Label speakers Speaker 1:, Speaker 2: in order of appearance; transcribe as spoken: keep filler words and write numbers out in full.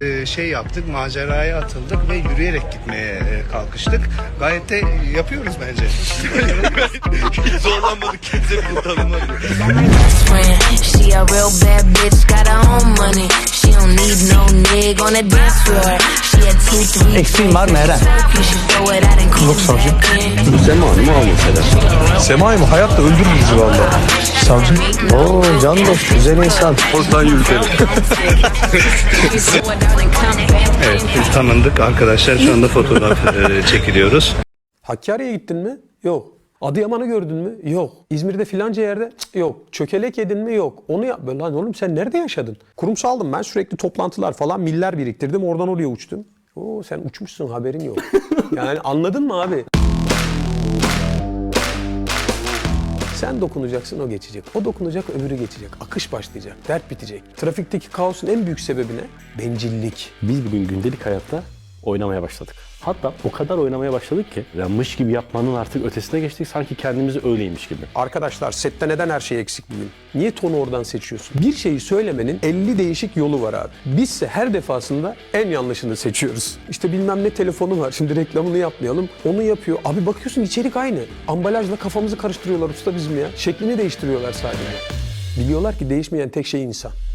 Speaker 1: şey yaptık, maceraya atıldık ve yürüyerek gitmeye kalkıştık. Gayet de yapıyoruz bence.
Speaker 2: Hiç zorlanmadık, kimse bir tanımadı.
Speaker 3: Eksiğin var mı Eren? Yok savcı.
Speaker 2: Sema mı o mesela?
Speaker 3: Sema'yı mı? Hayatta öldürür bizi valla. Savcı. Oo can dost, güzel insan.
Speaker 2: Oradan yürütelim.
Speaker 1: Evet, biz tanındık arkadaşlar. Şu anda fotoğraf çekiliyoruz.
Speaker 4: Hakkari'ye gittin mi? Yok. Adıyaman'ı gördün mü? Yok. İzmir'de filanca yerde? Cık, yok. Çökelek yedin mi? Yok. Onu yap. Lan oğlum sen nerede yaşadın? Kurumsaldım ben, sürekli toplantılar falan, miller biriktirdim. Oradan oraya uçtum. Oo sen uçmuşsun, haberin yok. Yani anladın mı abi? Sen dokunacaksın, o geçecek. O dokunacak, öbürü geçecek. Akış başlayacak. Dert bitecek. Trafikteki kaosun en büyük sebebi ne? Bencillik.
Speaker 5: Biz bugün gündelik hayatta oynamaya başladık. Hatta o kadar oynamaya başladık ki ya mış gibi yapmanın artık ötesine geçtik, sanki kendimizi öyleymiş gibi.
Speaker 4: Arkadaşlar sette neden her şey eksik bugün? Niye tonu oradan seçiyorsun? Bir şeyi söylemenin elli değişik yolu var abi. Bizse her defasında en yanlışını seçiyoruz. İşte bilmem ne telefonu var, şimdi reklamını yapmayalım. Onu yapıyor. Abi bakıyorsun içerik aynı. Ambalajla kafamızı karıştırıyorlar usta bizim ya. Şeklini değiştiriyorlar sadece. Biliyorlar ki değişmeyen tek şey insan.